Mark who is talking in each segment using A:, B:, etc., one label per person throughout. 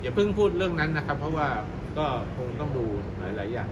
A: อย่าเพิ่งพูดเรื่องนั้นนะครับเพราะว่าก็คงต้องดูหลายๆอย่าง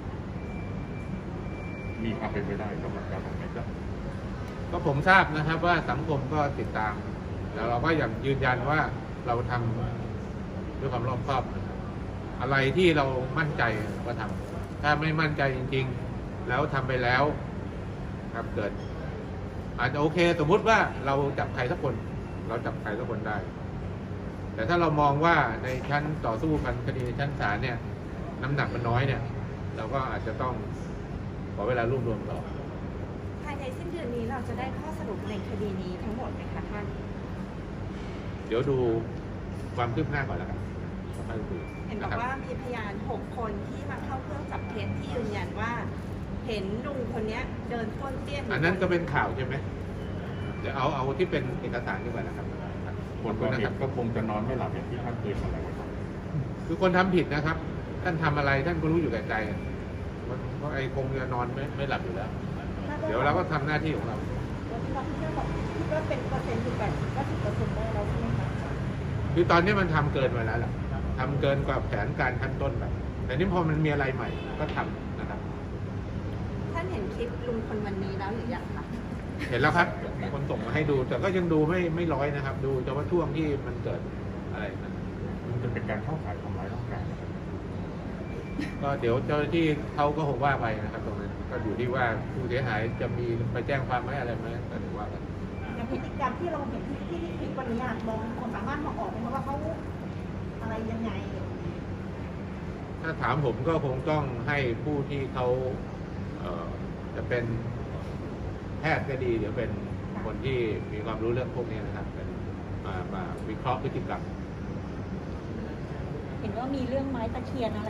B: มีความเป็นไปได้สำหรับการทำไหมครับ
A: ก็ผมทราบนะครับว่าสังคมก็ติดตามแล้วเราก็ยังยืนยันว่าเราทำด้วยความรอบคอบนะครับอะไรที่เรามั่นใจก็ทำถ้าไม่มั่นใจจริงๆแล้วทำไปแล้วครับเกิดอาจจะโอเคสมมุติว่าเราจับใครสักคนเราจับใครสักคนได้แต่ถ้าเรามองว่าในชั้นต่อสู้กันคดีในชั้นศาลเนี่ยน้ำหนักมันน้อยเนี่ยเราก็อาจจะต้องขอเวลารวบรวมต่อ
C: ภายในสิ้นเดือนนี้เราจะได้ข้อสรุปในคดีนี้ทั้งหมดไหมคะท่าน
A: เดี๋ยวดูความคืบหน้าก่อนแล้วกัน
C: เห็นบอกว่ามีพยาน6 คนที่มาเข้าเครื่องจับเท็จที่ยืนยันว่าเห็นลุงคนนี้เดินป้วนเปี้ยน
A: อันนั้นก็เป็นข่าวใช่ไหมเดี๋ยวเอาที่เป็นเอกสารดีกว่านะครับ
B: คนก่อเหตุก็คงจะนอนไม่หลับอย่างที่ท่านเคยอะไรไว้ครับ
A: คือคนทำผิดนะครับท่านทำอะไรท่านก็รู้อยู่แก่ใจเพราะไอ้คงจะนอนไม่หลับอยู่แล้วเดี๋ยวเราก็ทำหน้าที่ของเรา
C: คิดว่าเป็นเปอร์เซ็นต์อยู่แบบ90%ได้แล้วใช่ไหมคะ
A: คือตอนนี้มันทำเกินไปแล้วแหละทำเกินกว่าแผนการขั้นต้นแบบแต่นี่พอมันมีอะไรใหม่ก็ทำนะครับ
C: ท่านเห็นคลิปลุงคนวันนี้แล้วหรือยังคะ
A: เห็นแล้วครับคนส่งมาให้ดูแต่ก็ยังดูไม่ร้อยนะครับ ดูเฉพาะช่วงที่มันเกิดอะไรนะ
B: มันจะเป็นการเข้าข่ายทำร้ายร่างกาย
A: ก็เดี๋ยวเจ้าหน้าที่เขาก็คงว่าไปนะครับตรงนั้นก็อยู่ที่ว่าผู้เสียหายจะมีไปแจ้งความไหมอะไรไหมก็ถือว่ากัน
C: อย่างพฤติกรรมที่เราเห็นที่คลิปวันนี้มองคนสามารถมองออกไหมว่าเขาอะไรยังไง
A: ถ้าถามผมก็คงต้องให้ผู้ที่เขาจะเป็นแพทย์ก็ดีเดี๋ยวเป็นคนที่มีความรู้เรื่องพวกนี้นะครับเป็นมาวิเคราะห์พฤติกรรม
C: เห็นว่ามีเรื่องไม้ตะเคียนอะไร